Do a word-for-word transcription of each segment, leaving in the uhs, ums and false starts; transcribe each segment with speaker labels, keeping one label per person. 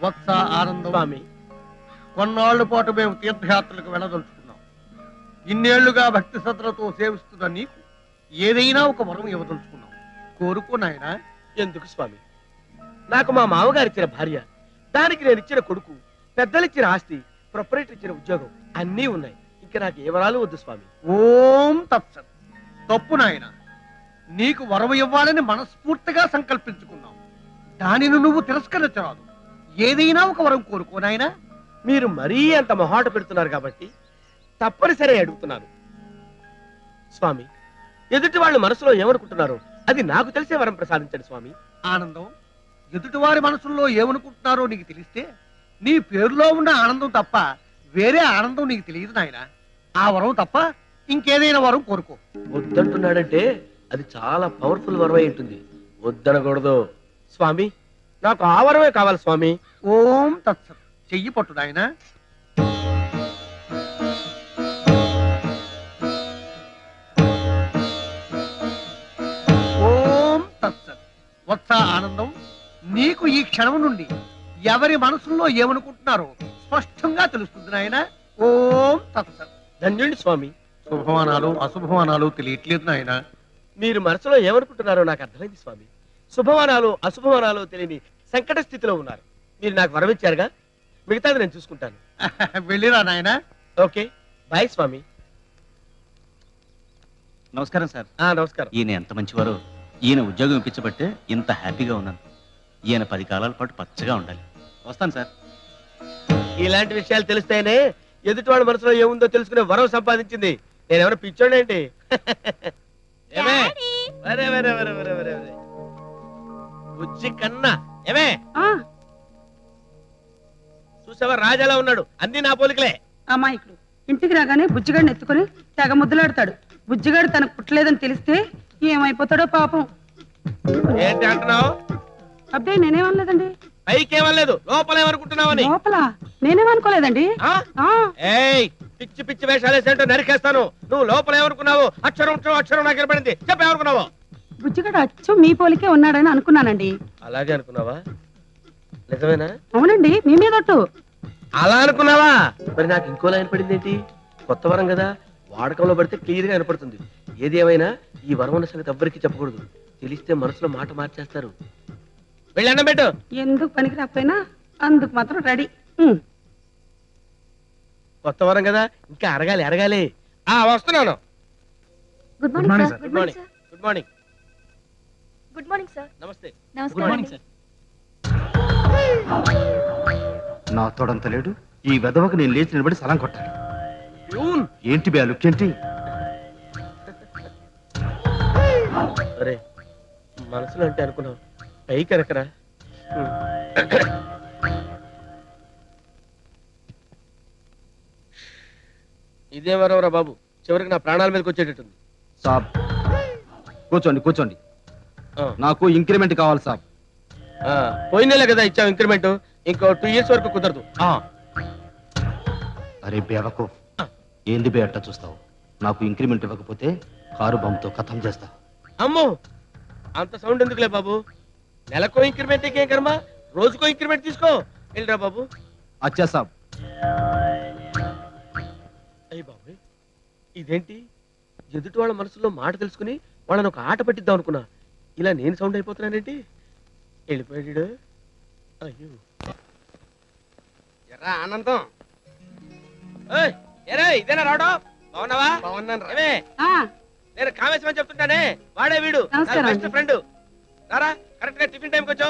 Speaker 1: వత్స ఆనందం
Speaker 2: స్వామి,
Speaker 1: కొన్నాళ్ల పాటు మేము తీర్థయాత్రలకు వెళ్ళదలుచుకున్నాం. ఇన్నేళ్లుగా భక్తి శ్రద్ధలతో సేవిస్తున్న నీకు ఏదైనా ఒక వరం ఇవ్వదలుచుకున్నాం. కోరుకో నాయనా.
Speaker 2: ఎందుకు స్వామి? నాకు మా మామగారు ఇచ్చిన భార్య, దానికి నేను ఇచ్చిన కొడుకు, పెద్దలిచ్చిన ఆస్తి, ప్రొపరేటర్ ఇచ్చిన ఉద్యోగం అన్నీ ఉన్నాయి. ఇంకా నాకు ఏ వరాలు వద్దు స్వామి.
Speaker 1: ఓం తత్సత్. తప్పు నాయన, నీకు వరం ఇవ్వాలని మనస్ఫూర్తిగా సంకల్పించుకున్నాం. దానిని నువ్వు తిరస్కరించరాదు. ఏదైనా ఒక వరం కోరుకో నాయనా.
Speaker 2: మీరు మరీ అంత మొహాట పెడుతున్నారు కాబట్టి తప్పనిసరి అడుగుతున్నాను స్వామి. ఎదుటి వాళ్ళు మనసులో ఏమనుకుంటున్నారో అది నాకు తెలిసే వరం ప్రసాదించండి స్వామి.
Speaker 1: ఆనందం, ఎదుటివారి మనసుల్లో ఏమనుకుంటున్నారో నీకు తెలిస్తే నీ పేరులో ఉన్న ఆనందం తప్ప వేరే ఆనందం నీకు తెలియదు నాయన. ఆ వరం తప్ప ఇంకేదైనా వరం కోరుకో.
Speaker 2: వద్దంటున్నాడంటే అది చాలా పవర్ఫుల్ వరం అయి ఉంటుంది. వద్దనకూడదు స్వామి. నాకు ఆ వరమే కావాలి స్వామి.
Speaker 1: ఓం తత్సత్. చెయ్యి పట్టు నాయన. ఓం తత్సత్. వత్స ఆనందం, నీకు ఈ క్షణం నుండి ఎవరి మనసుల్లో ఏమనుకుంటున్నారో స్పష్టంగా తెలుస్తుంది నాయన. ఓం తత్సత్.
Speaker 2: ధన్యుడి స్వామి.
Speaker 1: శుభమానాలు అశుభమానాలు తెలియట్లేదు నాయన.
Speaker 2: మీరు మనసులో ఏమనుకుంటున్నారో నాకు అర్థమైంది స్వామి. శుభమానాలు అశుభమానాలు తెలియని సంకట స్థితిలో ఉన్నారు. మీరు నాకు వరం ఇచ్చారుగా, మిగతాది నేను చూసుకుంటాను.
Speaker 1: వెళ్ళిరా నాయన.
Speaker 2: ఓకే, బాయ్ స్వామి.
Speaker 3: నమస్కారం సార్.
Speaker 2: ఆ నమస్కారం.
Speaker 3: ఈయన ఎంత మంచివారో. ఈయన ఉద్యోగం ఇప్పించబట్టే ఇంత హ్యాపీగా ఉన్నాను. ఈయన పది కాలాల పాటు పచ్చగా ఉండాలి. వస్తాను సార్.
Speaker 2: ఇలాంటి విషయాలు తెలిస్తేనే ఎదుటి వాళ్ళ మనసులో ఏముందో తెలుసుకునే వరం సంపాదించింది. నేనెవరో పిచ్చోడేంటి? ఏమే వరే వరే వరే వరే వరే వరే బుజ్జి కన్నా ఏమే చూసావా, రాజాలా ఉన్నాడు. అన్ని నా పోలికలే.
Speaker 4: అమాయకుడు ఇంటికి రాగానే బుజ్జిగాడిని ఎత్తుకుని తెగ ముద్దులాడతాడు. బుజ్జిగాడు తనకు పుట్టలేదని తెలిస్తే ఏమైపోతాడో పాపం.
Speaker 2: ఏంటి అంటున్నావు?
Speaker 4: అబ్బే నేనేమనలేదండి.
Speaker 2: పైకేమనలేదు, లోపలేమనుకుంటున్నావని.
Speaker 4: లోపల నేనేమనుకోలేదండి.
Speaker 2: ఏయ్, పిచ్చి పిచ్చి వేషాలు వేసేంటో నరికేస్తాను. నువ్వు లోపల ఏమనుకున్నావు? అక్షరం అక్షరం నాకు ఏర్పడింది. చెప్పేమనుకున్నావు?
Speaker 4: బుజ్జిగాడు అచ్చు మీ పోలికే ఉన్నాడని అనుకున్నానండి.
Speaker 2: అలాగే అనుకున్నావా? నిజమేనా?
Speaker 4: అవునండి, మీ మీదొట్టు.
Speaker 2: అలా అనుకున్నావా? మరి నాకు ఇంకోలా ఏర్పడింది ఏంటి? కొత్త వరం కదా, వాడకంలో పడితే క్లియర్ గా ఏర్పడుతుంది. ఏది ఏమైనా ఈ వరం ఉన్న సంగతి ఎవ్వరికి చెప్పకూడదు. తెలిస్తే మనసులో మాట మార్చేస్తారు. వెళ్ళి అన్నం పెట్టు.
Speaker 4: ఎందుకు పనికి రాకపోయినా అందుకు మాత్రం రెడీ.
Speaker 2: కొత్త వరం కదా, ఇంకా అరగాలి అరగాలి. ఆ వస్తున్నాను.
Speaker 5: Good morning sir.
Speaker 2: Good morning. Good morning.
Speaker 5: Good morning sir.
Speaker 2: నమస్తే.
Speaker 5: Good morning sir.
Speaker 6: నా తోడంత లేడు. ఈ వెదవకు నేను లేచి నిలబడి సలాం కొట్టాలి. ఏంటి బే లుక్ ఏంటి?
Speaker 2: అరే మనసులో అంటే అనుకున్నావు, పైకి ఎరకరా. ఇదే వరవరా బాబు, చివరికి నా ప్రాణాల మీదకి వచ్చేటట్టుంది.
Speaker 6: సాబ్ కూర్చోండి కూర్చోండి. నాకు ఇంక్రిమెంట్ కావాలి సాబ్.
Speaker 2: పోయిన నెల కదా ఇచ్చావు ఇంక్రిమెంట్, ఇంకో టూ ఇయర్స్ వరకు కుదరదు.
Speaker 6: అరే బేవకు, ఏంది బే అట్ట చూస్తావు? నాకు ఇంక్రిమెంట్ ఇవ్వకపోతే కారు బొమ్మతో కథం చేస్తా.
Speaker 2: అమ్మో, అంత సౌండ్ ఎందుకులే బాబు. నెలకో ఇంక్రిమెంట్ ఇంకేం కర్మ, రోజుకో ఇంక్రిమెంట్ తీసుకో. వెళ్ళిరా బాబు.
Speaker 6: అచ్చా సాబ్.
Speaker 2: అయ్యి బాబు, ఇదేంటి? ఎదుటి వాళ్ళ మనసులో మాట తెలుసుకుని వాళ్ళని ఒక ఆట పట్టిద్దాం అనుకున్నా. ఇలా నేను సౌండ్ అయిపోతున్నానేంటి? వెళ్ళిపోయాడు. అయ్యో ఎరా ఆనందం. ఎరా ఇదేనా రావడం? బాగున్నావా? బాగున్నాను. నేను కామేశ్వరం అని చెప్తుంటానే, వాడే వీడు బెస్ట్ ఫ్రెండ్. రారా, కరెక్ట్ గా టిఫిన్ టైంకి వచ్చావు.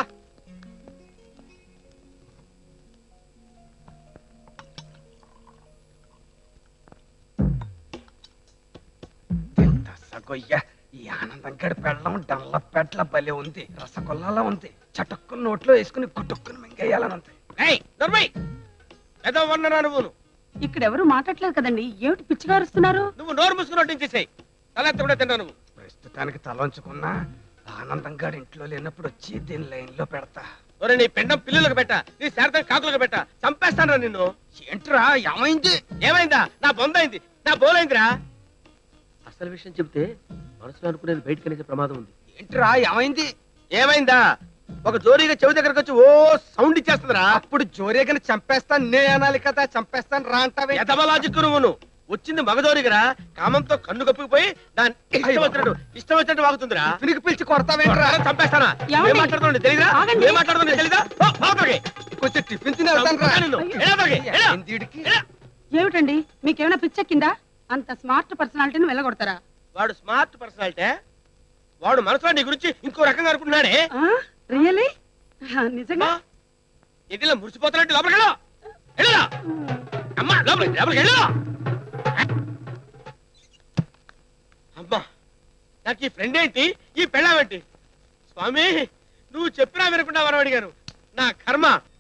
Speaker 7: ఈ ఆనందం గడి పెళ్ళం డల్ల పెట్ల బలే ఉంది. రసగొల్లాలా ఉంది. చటుక్కుని నోట్లో వేసుకుని గుట్టుక్కుని మింగేయాలని ఉంది.
Speaker 2: నువ్వు
Speaker 4: ఇక్కడెవరు మాట్లాడలేదు కదండి, ఏమిటి పిచ్చిగారుస్తున్నారు?
Speaker 2: నువ్వు నోరు మూసుకుని వడ్డించేసాయి. తలెత్త కూడా తిన్నా. నువ్వు
Speaker 7: ప్రస్తుతానికి తలంచుకున్నా ఆనందం గడి ఇంట్లో లేనప్పుడు వచ్చి దీని లైన్ లో పెడతా.
Speaker 2: ఒరే నీ పెండం పిల్లులకు పెట్ట, నీ శారదం కాకులకు పెట్ట, చంపేస్తాను నిన్ను.
Speaker 7: ఏంట్రా ఏమైంది?
Speaker 2: ఏమైందా? నా బొందైంది, నా బోలైందిరా. అసలు విషయం చెప్తే మనసులో అనుకునేది బయటకు అనేసే ప్రమాదం ఉంది.
Speaker 7: ఏంట్రా ఏమైంది?
Speaker 2: ఏమైందా? ఒక జోరీగా చెవి దగ్గరకు వచ్చి ఓ సౌండ్ ఇచ్చేస్తుందిరా.
Speaker 7: అప్పుడు జోరేగని చంపేస్తాను నే అనాలి కదా, చంపేస్తాను రా అంటావే.
Speaker 2: ఎదవలాజిక్ నువ్వును. వచ్చింది మగ జోరీగరా, కామంతో కన్ను కప్పిపోయి దాని ఇష్టం వచ్చినట్టు ఇష్టం వచ్చినట్టు వాగుతుందిరా.
Speaker 7: పినికి పిలిచి కొడతావేంట్రా?
Speaker 2: కొడతారా, చంపేస్తానా?
Speaker 4: ఏమండి?
Speaker 2: ఏం మాట్లాడుతుంది తెలీదా?
Speaker 4: ఆగండి.
Speaker 2: ఏం మాట్లాడుతుంది తెలీదా? ఓ, బావతోకి.
Speaker 7: కొంచెం టిఫిన్ తిని వెళ్తాను రా.
Speaker 2: చంపుతా నిన్ను. ఎలా తోకి? ఎలా?
Speaker 7: ఎందుడికి?
Speaker 2: ఎలా?
Speaker 4: ఏమిటండి మీకేమైనా పిచ్చెక్కిందా? అంత స్మార్ట్ పర్సనాలిటీని వెళ్ళగొడతారా?
Speaker 2: వాడు స్మార్ట్ పర్సనాలిటీ. వాడు మనసులో నీ గురించి ఇంకో రకంగా అనుకుంటున్నాడే.
Speaker 4: రియలీ నిజంగా?
Speaker 2: ఇదిలా మురిసిపోతున్నట్టు లోపలికి వెళ్ళు. వెళ్ళరా అమ్మా, లోపలికి లోపలికి వెళ్ళు. అమ్మా, నాకు ఈ ఫ్రెండ్ ఏంటి, ఈ పెళ్ళామేంటి? స్వామి, నువ్వు చెప్పినా వినకుండా వరం అడిగాను. నా కర్మ.